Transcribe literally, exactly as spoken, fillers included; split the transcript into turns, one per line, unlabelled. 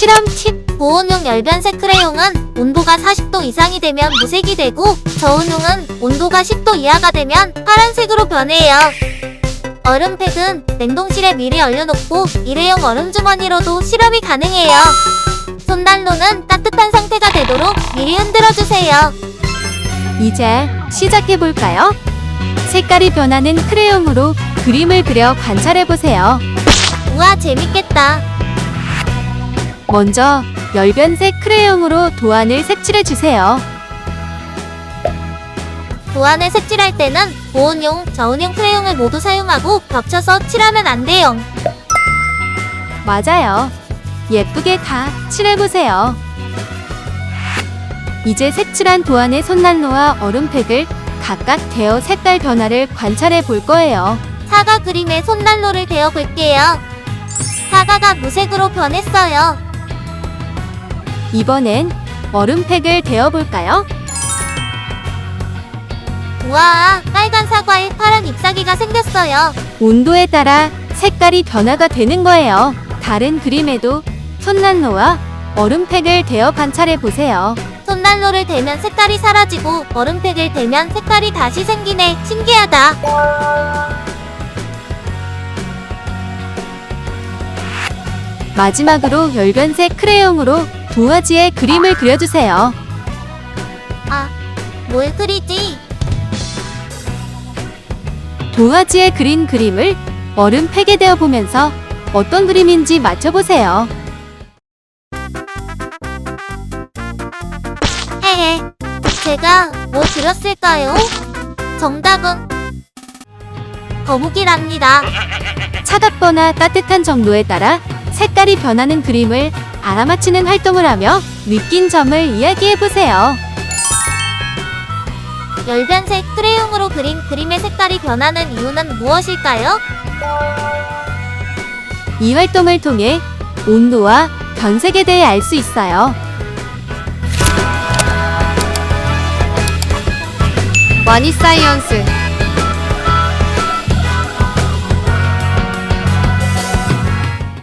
실험 팁.
고온용 열변색 크레용은 온도가 사십 도 이상이 되면 무색이 되고, 저온용은 온도가 십 도 이하가 되면 파란색으로 변해요. 얼음팩은 냉동실에 미리 얼려놓고 일회용 얼음 주머니로도 실험이 가능해요. 손난로는 따뜻한 상태가 되도록 미리 흔들어주세요.
이제 시작해볼까요? 색깔이 변하는 크레용으로 그림을 그려 관찰해보세요.
우와, 재밌겠다.
먼저 열변색 크레용으로 도안을 색칠해주세요.
도안을 색칠할 때는 고온용, 저온용 크레용을 모두 사용하고 겹쳐서 칠하면 안 돼요.
맞아요. 예쁘게 다 칠해보세요. 이제 색칠한 도안의 손난로와 얼음팩을 각각 대어 색깔 변화를 관찰해 볼 거예요.
사과 그림에 손난로를 대어 볼게요. 사과가 무색으로 변했어요.
이번엔 얼음팩을 대어 볼까요?
우와, 빨간 사과에 파란 잎사귀가 생겼어요.
온도에 따라 색깔이 변화가 되는 거예요. 다른 그림에도 손난로와 얼음팩을 대어 관찰해 보세요.
손난로를 대면 색깔이 사라지고 얼음팩을 대면 색깔이 다시 생기네. 신기하다.
마지막으로 열변색 크레용으로 도화지에 그림을 그려주세요.
아, 뭘 그리지?
도화지에 그린 그림을 얼음팩에 대어 보면서 어떤 그림인지 맞춰보세요.
헤헤, 제가 뭐 그렸을까요? 정답은 거북이랍니다.
차갑거나 따뜻한 정도에 따라 색깔이 변하는 그림을 알아맞히는 활동을 하며 느낀 점을 이야기해보세요.
열변색 크레용으로 그린 그림의 색깔이 변하는 이유는 무엇일까요?
이 활동을 통해 온도와 변색에 대해 알 수 있어요.
와니사이언스